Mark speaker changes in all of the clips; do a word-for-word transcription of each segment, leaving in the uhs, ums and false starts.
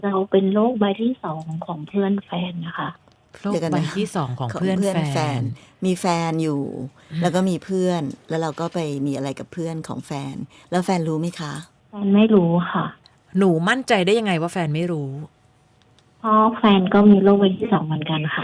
Speaker 1: เราเป็นโรคใบที่สองของเพื่อนแฟนนะคะ
Speaker 2: โรคใบที่สองของ
Speaker 3: ของ
Speaker 2: เพื่อน
Speaker 3: เพื่อน
Speaker 2: แฟ
Speaker 3: แฟน
Speaker 2: น
Speaker 3: มีแฟนอยู่ แล้วก็มีเพื่อน แล้วเราก็ไปมีอะไรกับเพื่อนของแฟน แล้วแฟนรู้ไหมคะ
Speaker 1: แฟนไม่รู้ค่ะ
Speaker 2: หนูมั่นใจได้ยังไงว่าแฟนไม่รู้
Speaker 1: เพราะแฟนก็มีโรคใบที่สองเหมือนกันค่ะ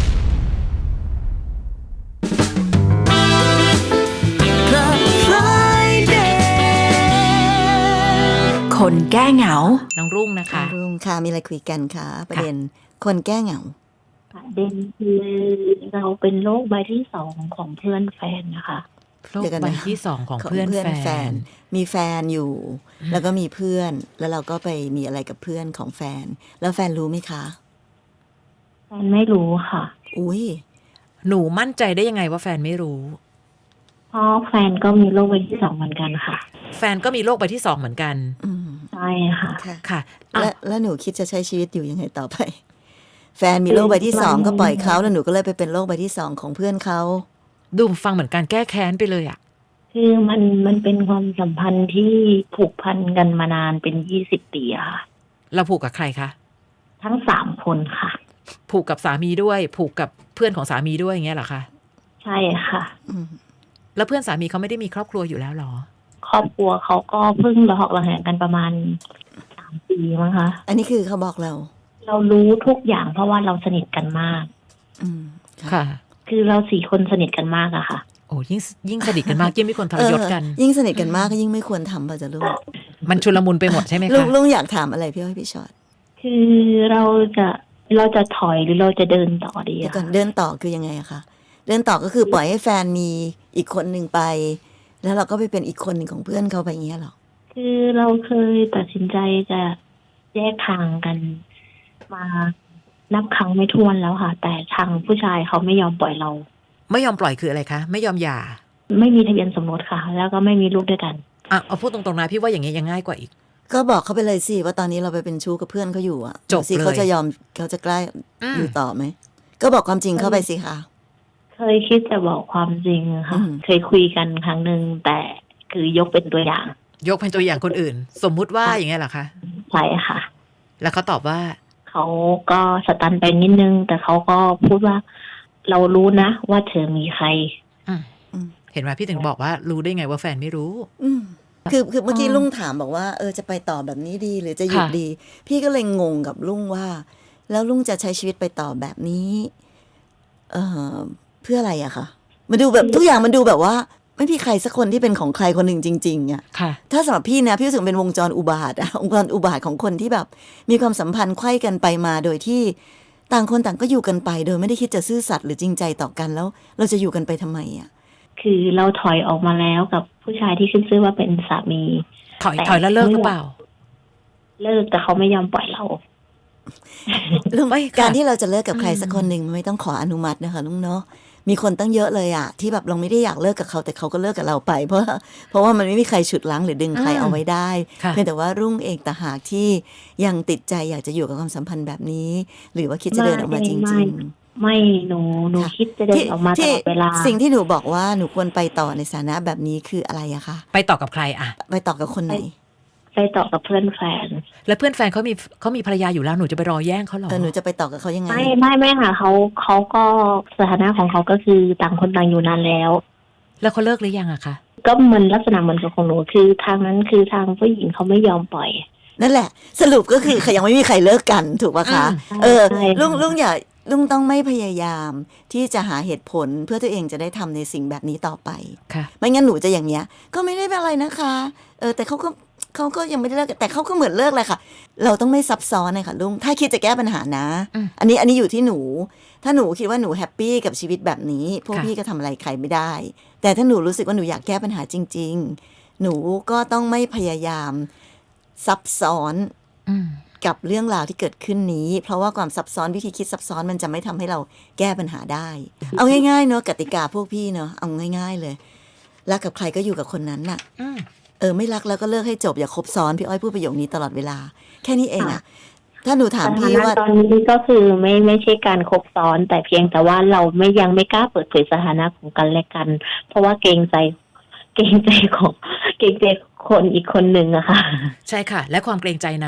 Speaker 4: คนแก้เหงา
Speaker 2: น้องรุ่งนะคะ
Speaker 3: รุ่งค่ะมีอะไรคุยกันคะประเด็นคนแก้เหงา
Speaker 1: ประเด็นคือเราเป็นโรคใบที่สองของเพื่อนแฟนนะคะ
Speaker 2: โรคใบที่สองของเพื่อนแฟน
Speaker 3: มีแฟนอยู่ แล้วก็มีเพื่อน แล้วเราก็ไปมีอะไรกับเพื่อนของแฟน แล้วแฟนรู้ไหมคะ
Speaker 1: แฟนไม่รู้ค่ะ
Speaker 3: อุ้ย
Speaker 2: หนูมั่นใจได้ยังไงว่าแฟนไม่รู้
Speaker 1: เพราะแฟนก็มีโรคใบที่สองเหมือนกันค่ะ
Speaker 2: แฟนก็มีโรคใบที่สองเหมือนกัน
Speaker 3: อืม
Speaker 1: ใช่ค่ะ
Speaker 3: ค่ะ
Speaker 2: ค่ะ
Speaker 3: แล้วแล้วหนูคิดจะใช้ชีวิตอยู่ยังไงต่อไป แฟนมีโรคใบที่สองก็ปล่อยเขาแล้วหนูก็เลยไปเป็นโรคใบที่สองของเพื่อนเขา
Speaker 2: ดูฟังเหมือนการแก้แค้นไปเลยอ่ะ
Speaker 1: คือมันมันเป็นความสัมพันธ์ที่ผูกพันกันมานานเป็นยี่สิบปีอะค่ะ
Speaker 2: เราผูกกับใครคะ
Speaker 1: ทั้งสามคนค่ะ
Speaker 2: ผูกกับสามีด้วย ผูกกับเพื่อนของสามีด้วยอย่างเงี้ยเหรอคะ
Speaker 1: ใช่ค่ะ
Speaker 3: อืม
Speaker 2: แล้วเพื่อนสามีเขาไม่ได้มีครอบครัวอยู่แล้วหรอ
Speaker 1: ครอบครัวเขาก็เพิ่งระหอกระแหงกันประมาณสามปีมั้งคะ
Speaker 3: อันนี้คือเขาบอกเรา
Speaker 1: เรารู้ทุกอย่างเพราะว่าเราสนิทกันมาก
Speaker 3: อืมค่ะ
Speaker 2: ค่ะ
Speaker 1: คือเราสี่คนสนิทกันมากอะค่ะ
Speaker 2: โอ้ยิ่งยิ่งสนิทกันมากยิ่งไม่ควรทรยศกัน
Speaker 3: เออยิ่งสนิทกันมากก็ยิ่งไม่ควรทำป่ะจ๊ะลูก
Speaker 2: มันชุลมุนไปหมดใช่ไหม
Speaker 3: ลุ
Speaker 2: คะ
Speaker 3: งลุงอยากถามอะไรพี่อ้อยพี่ชอต
Speaker 1: คือเราจะเราจะถอยหรือเราจะเดินต่อดี
Speaker 3: เดี๋ยว
Speaker 1: อะ
Speaker 3: ก่อน
Speaker 1: ค่ะ
Speaker 3: เดินต่อคือยังไงอะคะเดินต่อก็คือปล่อยให้แฟนมีอีกคนหนึ่งไป แล้วเราก็ไปเป็นอีกคนหนึ่งของเพื่อนเขาไปอย่างเงี้ยหรอ
Speaker 1: คือเราเคยตัดสินใจจะแยกทางกันมานับครั้งไม่ถ้วนแล้วค่ะ แต่ทางผู้ชายเขาไม่ยอมปล่อยเรา
Speaker 2: ไม่ยอมปล่อยคืออะไรคะ ไม่ยอมหย่า
Speaker 1: ไม่มีทะเบียนสมรสค่ะ แล้วก็ไม่มีลูกด้วยกัน
Speaker 2: อ่ะเอาพูดตรงๆนะพี่ว่าอย่างเงี้ยยังง่ายกว่าอีก
Speaker 3: ก็บอกเขาไปเลยสิว่าตอนนี้เราไปเป็นชู้กับเพื่อนเขาอยู่อะ
Speaker 2: จบ
Speaker 3: สิ
Speaker 2: เลย
Speaker 3: เขาจะยอมเขาจะกล้า
Speaker 2: อืม
Speaker 3: อยู่ต่อไหมก็บอกความจริงเข้าไปสิคะ
Speaker 1: เคยคิดจะบอกความจริงค่ะ
Speaker 3: อืม
Speaker 1: เคยคุยกันครั้งหนึ่งแต่คือยกเป็นตัวอย่าง
Speaker 2: ยกเป็นตัวอย่างคนอื่น สมมุติว่าอย่างเงี้ยเหรอคะ
Speaker 1: ใช่ค่ะ
Speaker 2: แล้วเขาตอบว่า
Speaker 1: เขาก็สตันไปนิดนึง แต่เขาก็พูดว่าเรารู้นะว่าเธอมีใคร
Speaker 2: อืม
Speaker 3: อืม
Speaker 2: เห็นไหมพี่ถึงบอกว่ารู้ได้ไงว่าแฟนไม่รู้
Speaker 3: อืมคือคือเมื่อกี้
Speaker 1: อ๋อ
Speaker 3: ลุงถามบอกว่าเออจะไปต่อแบบนี้ดีหรือจะหยุด
Speaker 2: ค่ะ
Speaker 3: ดี พี่ก็เลยงงกับลุงว่า แล้วลุงจะใช้ชีวิตไปต่อแบบนี้ เออเพื่ออะไรอะคะมันดูแบบทุกอย่างมันดูแบบว่า ไม่มีใครสักคนที่เป็นของใครคนหนึ่งจริงๆอะ
Speaker 2: ค่ะ
Speaker 3: ถ้าสำหรับพี่นะพี่รู้สึกเป็นวงจรอุบาทอะ วงจรอุบาทของคนที่แบบ มีความสัมพันธ์ไขว้กันไปมาโดยที่ต่างคนต่างก็อยู่กันไป โดยไม่ได้คิดจะซื่อสัตย์หรือจริงใจต่อกันแล้ว เราจะอยู่กันไปทำไมอะ
Speaker 1: คือเราถอยออกมาแล้วกับผู้ชายที่ขึ้นชื่อว่าเป็นสามี
Speaker 2: ถอยถอยแล้วเลิกหรือเปล่า
Speaker 1: เลิกแต่เขาไม่ยอมปล่อยเรา
Speaker 3: ลุง
Speaker 2: ไม่ค่ะ
Speaker 3: การที่เราจะเลิกกับใครสักคนหนึ่งมันไม่ต้องขออนุมัตินะคะลุงเนาะมีคนตั้งเยอะเลยอะที่แบบเราไม่ได้อยากเลิกกับเขาแต่เขาก็เลิกกับเราไป เพราะเพราะว่ามันไม่มีใครฉุดรั้งหรือดึงใครเอาไว้ได้
Speaker 2: ค่ะ
Speaker 3: เพียงแต่ว่ารุ่งเองต่างหากที่ยังติดใจอยากจะอยู่กับความสัมพันธ์แบบนี้ หรือว่าคิดจะเดินออกมาจ
Speaker 1: ไม่
Speaker 3: ริง
Speaker 1: ไม่หนูหนู
Speaker 3: ค่ะ
Speaker 1: คิดจะเดินออกมาต
Speaker 3: ที่
Speaker 1: ลอดเวลา
Speaker 3: สิ่งที่หนูบอกว่าหนูควรไปต่อในสถานะแบบนี้คืออะไรอะคะ
Speaker 2: ไปต่อกับใครอะ
Speaker 3: ไปต่อกับคนไหน
Speaker 1: ไปต่อกับเพื่อนแฟน
Speaker 2: แล้วเพื่อนแฟนเขามีเขามีภรรยาอยู่แล้วหนูจะไปรอแย่งเขาเหรอ
Speaker 3: เออหนูจะไปต่อกับเขายังไง
Speaker 1: ไม่ไม่ไม่ค่ะเขาเขาก็สถานะของเขาก็คือต่างคนต่างอยู่นานแล้ว
Speaker 2: แล้วเขาเลิกหรือยังอะคะ
Speaker 1: ก็เหมือนลักษณะเหมือนกับของหนูคือทางนั้นคือทางผู้หญิงเขาไม่ยอมปล่อย
Speaker 3: นั่นแหละ สรุปก็คือ ยังไม่มีใครเลิกกันถูกปะคะ
Speaker 2: อืม
Speaker 3: เออ
Speaker 1: ใช่
Speaker 3: ลุงลุงอย่าลุงต้องไม่พยายามที่จะหาเหตุผลเพื่อตัวเองจะได้ทำในสิ่งแบบนี้ต่อไป
Speaker 2: ค่ะ
Speaker 3: ไม่งั้นหนูจะอย่างเงี้ย ก็ไม่ได้เป็นอะไรนะคะ เออแต่เขาก็เขาก็ยังไม่ได้เลิกแต่เขาก็เหมือนเลิกเลยค่ะ เราต้องไม่ซับซ้อนเลยค่ะลุงถ้าคิดจะแก้ปัญหานะ
Speaker 2: อืม
Speaker 3: อันนี้อันนี้อยู่ที่หนู ถ้าหนูคิดว่าหนูแฮปปี้กับชีวิตแบบนี้ พวก
Speaker 2: ค่ะ
Speaker 3: พี่ก็ทำอะไรใครไม่ได้ แต่ถ้าหนูรู้สึกว่าหนูอยากแก้ปัญหาจริง ๆ หนูก็ต้องไม่พยายามซับซ้อน
Speaker 2: อืม
Speaker 3: กับเรื่องราวที่เกิดขึ้นนี้ เพราะว่าความซับซ้อนวิธีคิดซับซ้อนมันจะไม่ทำให้เราแก้ปัญหาได้ เอาง่ายๆเนอะกติกาพวกพี่เนอะเอาง่าย ๆเลยรักกับใครก็อยู่กับคนนั้นน่ะ
Speaker 2: อืม
Speaker 3: เออไม่รักแล้วก็เลิกให้จบอย่าคบซ้อนพี่อ้อยพูดประโยคนี้ตลอดเวลา แค่นี้เองอะถ้าหนูถาม
Speaker 1: สถา
Speaker 3: พี่
Speaker 1: นะ
Speaker 3: ว่า
Speaker 1: ตอนนี้ก็คือไม่ไม่ใช่การคบซ้อน แต่เพียงแต่ว่าเราไม่ยังไม่กล้าเปิดเผยสถานะของกันและกัน เพราะว่าเกรงใจ เกรงใจของเกรงใจคนอีกคนหนึ่งอะค่ะ
Speaker 2: ใช่ค่ะ และความเกรงใจนั้น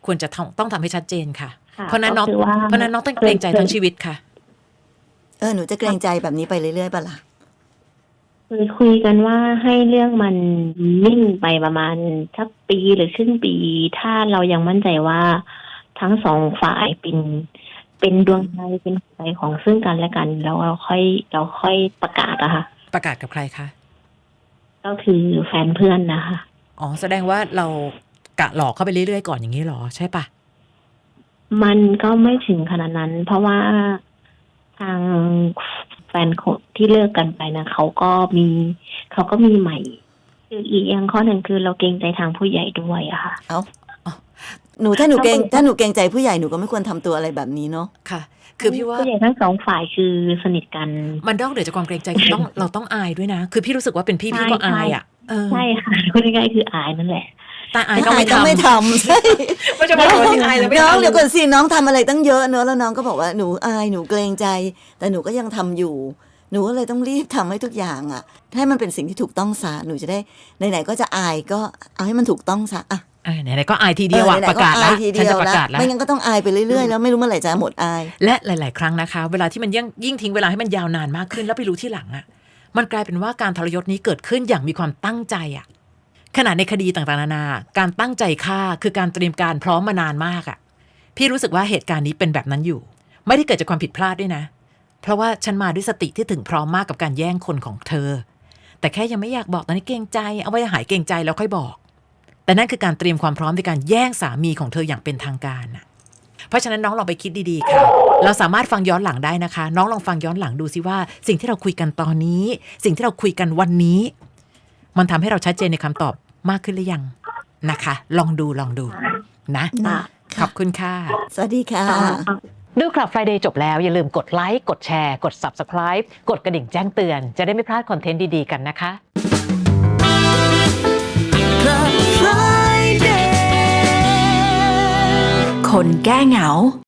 Speaker 2: ควรจะต้องต้องทำให้ชัดเจนค่ะ
Speaker 1: ค่ะ
Speaker 2: เพราะนั้นน้อง
Speaker 1: ก็คือว่า
Speaker 2: เพราะนั้นน้องต้องเกรงใจทั้งชีวิตค่ะ
Speaker 3: เออหนูจะเกรงใจแบบนี้ไปเรื่อยๆป่ะล่ะ
Speaker 1: เคยคุยกันว่าให้เรื่องมันนิ่งไปประมาณสักปีหรือครึ่งปี ถ้าเรายังมั่นใจว่าทั้งสองฝ่ายเป็นเป็นดวงใจเป็นหัวใจของซึ่งกันและกันแล้วเราค่อยเราค่อยประกาศอะค่ะ
Speaker 2: ประกาศกับใครคะ
Speaker 1: ก็คือแฟนเพื่อนนะคะ
Speaker 2: อ๋อแสดงว่าเรากะหลอกเข้าไปเรื่อยๆก่อนอย่างนี้หรอใช่ปะ
Speaker 1: มันก็ไม่ถึงขนาดนั้น เพราะว่าทางแฟนคนที่เลิกกันไปนะเขาก็มีเขาก็มีใหม่ คืออีกอย่างข้อหนึ่งคือเราเกรงใจทางผู้ใหญ่ด้วยอะค่ะ
Speaker 3: เอาหนูถ้าหนูเกรงถ้าหนูเกรงใจผู้ใหญ่หนูก็ไม่ควรทำตัวอะไรแบบนี้เนาะ
Speaker 2: ค่ะ คือพี่ว่า
Speaker 1: ผู้ใหญ่ทั้งสองฝ่ายคือสนิทกัน
Speaker 2: มันนอกเหนือจากความเกรงใจคือต้องเราต้องอายด้วยนะ คือพี่รู้สึกว่าเป็นพี่พี่ก็อายอ่ะเออ
Speaker 1: ใช่ค่ะพูดง่ายๆคืออายนั่นแหละ
Speaker 2: แต่อายก็
Speaker 3: อาย
Speaker 2: ไม่
Speaker 3: ก็
Speaker 2: ทำ
Speaker 3: ไม่ทำใช่
Speaker 2: ไม่จะมาบอกว่าที่อายแล้วไม่
Speaker 3: น้อง
Speaker 2: ทำ
Speaker 3: เดี๋ยวก่อนสิน้องทำอะไรตั้งเยอะเนอะแล้วน้องก็บอกว่าหนูอายหนูเกรงใจ แต่หนูก็ยังทำอยู่ หนูก็เลยต้องรีบทำให้ทุกอย่างอ่ะให้มันเป็นสิ่งที่ถูกต้องซะหนูจะได้ไหนๆก็จะอายก็เอาให้มันถูกต้องซะอ่ะ
Speaker 2: อ่าไหนๆก็อายทีเดียวอะ
Speaker 3: ออไหนๆ
Speaker 2: ประกาศละ
Speaker 3: อายที
Speaker 2: ฉัน
Speaker 3: เดีย
Speaker 2: จะ
Speaker 3: ว
Speaker 2: ประ
Speaker 3: ละ
Speaker 2: กาศละ
Speaker 3: ไม่งั้นก็ต้องอายไปเรื่อยๆแล้วไม่รู้เมื่อไหร่จะหมดอาย
Speaker 2: และหลาย ๆ ครั้งนะคะ เวลาที่มันยิ่งยิ่งทิ้งเวลาให้มันยาวนานมากขึ้นแล้วไปรู้ที่หลังอะมันกลายเป็นว่าการทรยศนี้เกิดขึ้นอย่างมีความตั้งใจอะขณะในคดีต่างๆนานาการตั้งใจฆ่าคือการเตรียมการพร้อมมานานมากอะพี่รู้สึกว่าเหตุการณ์นี้เป็นแบบนั้นอยู่ ไม่ได้เกิดจากความผิดพลาดด้วยนะ เพราะว่าฉันมาด้วยสติที่ถึงพร้อมมากกับการแย่งคนของเธอ แต่แค่ยังไม่อยากบอกตอนนี้เกรงใจเอาไว้หายเกรงใจแล้วค่อยบอก แต่นั่นคือการเตรียมความพร้อมในการแย่งสามีของเธออย่างเป็นทางการน่ะ เพราะฉะนั้นน้องลองไปคิดดีๆค่ะ เราสามารถฟังย้อนหลังได้นะคะ น้องลองฟังย้อนหลังดูซิว่าสิ่งที่เราคุยกันตอนนี้ สิ่งที่เราคุยกันวันนี้ มันทำให้เราชัดเจนในคำตอบมากขึ้นหรือยังนะคะ ลองดูลองดูนะ
Speaker 3: นะ
Speaker 2: ขอบคุณค่ะ
Speaker 3: สวัสดีค่ะ
Speaker 2: ดูคลับ Friday จบแล้วอย่าลืมกดไลค์กดแชร์กด Subscribe กดกระดิ่งแจ้งเตือนจะได้ไม่พลาดคอนเทนต์ดีๆกันนะคะ
Speaker 4: คนแก้เหงา